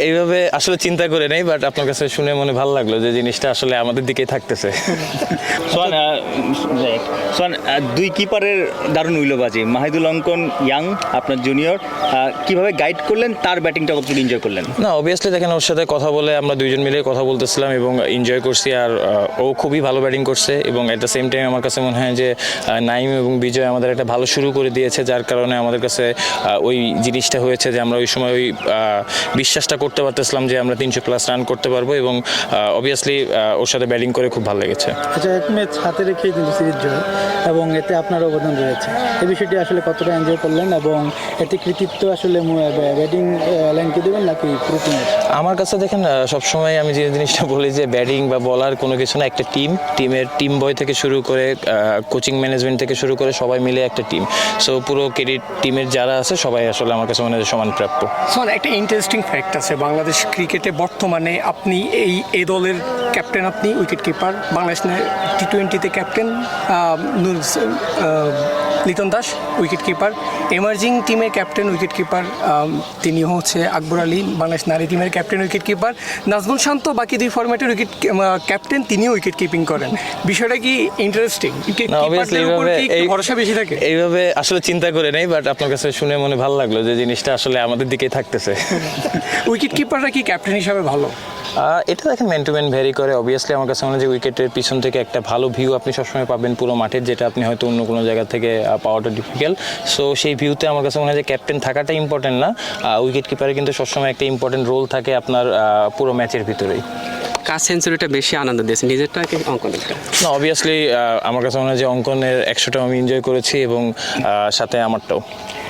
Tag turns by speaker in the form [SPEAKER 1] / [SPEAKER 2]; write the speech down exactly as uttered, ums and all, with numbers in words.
[SPEAKER 1] এইভাবে আসলে চিন্তা করে নেই, বাট আপনার কাছে শুনে মনে ভালো লাগলো যে জিনিসটা আসলে আমাদের দিকেই থাকতেছে।
[SPEAKER 2] সোহান আহ, সোহান আহ, দুই কিপারের দারুণ উইলোবাজি, মাহিদুল অঙ্কন ইয়াং আপনার জুনিয়র, কিভাবে গাইড করলেন, তার ব্যাটিংটা কতটুকু এনজয় করলেন?
[SPEAKER 1] না, অবভিয়াসলি দেখেন ওর সাথে কথা বলে আমরা দুইজন মিলে কথা বলতেছিলাম এবং এনজয় করছি। আর আহ, ও খুবই ভালো ব্যাটিং করছে এবং অ্যাট দ্য সেম টাইম আমার কাছে মনে হয় যে আহ, নাইম এবং বিজয় আমাদের একটা ভালো শুরু করে দিয়েছে, যার কারণে আমাদের কাছে আহ, ওই জিনিসটা হয়েছে যে আমরা ওই সময় ওই আহ, বিশ্বাসটা করতে পারতেছিলাম যে আমরা তিনশো প্লাস রান করতে পারবো এবং অবভিয়াসলি ওর সাথে ব্যাটিং করে খুব ভালো লেগেছে।
[SPEAKER 3] আচ্ছা, এক ম্যাচ হাতে রেখেই কিন্তু সিরিজ জয় এবং এতে আপনার অবদান রয়েছে, এই বিষয়টি আসলে কতটা এনজয় করলেন এবং এতে কৃতিত্ব আসলে ব্যাটিং লাইনকে দেবেন নাকি পুরো টিমের?
[SPEAKER 1] আমার কাছে দেখেন আহ, সবসময় আমি যে জিনিসটা বলি যে ব্যাটিং বা বলার কোনো কিছু না, একটা টিম, টিমের টিম বয় থেকে শুরু করে কোচিং ম্যানেজমেন্ট থেকে শুরু করে সবাই মিলে একটা টিম। সো পুরো ক্রেডিট টিমের যারা আছে সবাই আসলে আমার কাছে মনে হয় সমান প্রাপ্য।
[SPEAKER 4] শোন, একটা ইন্টারেস্টিং ফ্যাক্ট আছে বাংলাদেশ ক্রিকেটে বর্তমানে। আপনি এই এ দলের ক্যাপ্টেন, আপনি উইকেট কিপার, বাংলাদেশ টি টোয়েন্টিতে captain Liton Das wicket keeper, emerging টিমের ক্যাপ্টেন উইকেট কিপার তিনি হচ্ছে আকবর আলী, বাংলাদেশ নারী টিমের captain wicket keeper, Najmul Shanto বাকি দুই ফরম্যাটের উইকেট ক্যাপ্টেন, তিনিও উইকেট কিপিং করেন। বিষয়টা কি ইন্টারেস্টিং? ভরসা বেশি থাকে
[SPEAKER 1] এইভাবে আসলে চিন্তা করে নেই, বাট আপনার কাছে শুনে মনে ভালো লাগলো যে জিনিসটা আসলে আমাদের দিকেই থাকতেছে।
[SPEAKER 4] উইকেট কিপাররা কি ক্যাপ্টেন হিসাবে ভালো?
[SPEAKER 1] এটা দেখেন ম্যান টু ম্যান ভ্যারি করে। অবভিয়াসলি আমার কাছে মনে হয় যে উইকেটের পিছন থেকে একটা ভালো ভিউ আপনি সবসময় পাবেন পুরো মাঠের, যেটা আপনি হয়তো অন্য কোনো জায়গা থেকে পাওয়াটা ডিফিকাল্ট। সো সেই ভিউতে আমার কাছে মনে হয় যে ক্যাপ্টেন থাকাটা ইম্পর্টেন্ট না, উইকেট কিপারে কিন্তু সবসময় একটা ইম্পর্টেন্ট রোল থাকে আপনার পুরো ম্যাচের ভিতরেই।
[SPEAKER 5] কার সেঞ্চুরিটা বেশি আনন্দ দিয়েছে, নিজেরটা কি অঙ্কনেরটা?
[SPEAKER 1] না, অবভিয়াসলি আমার কাছে মনে হয় যে অঙ্কনের একশোটাও আমি এনজয় করেছি এবং সাথে আমারটাও।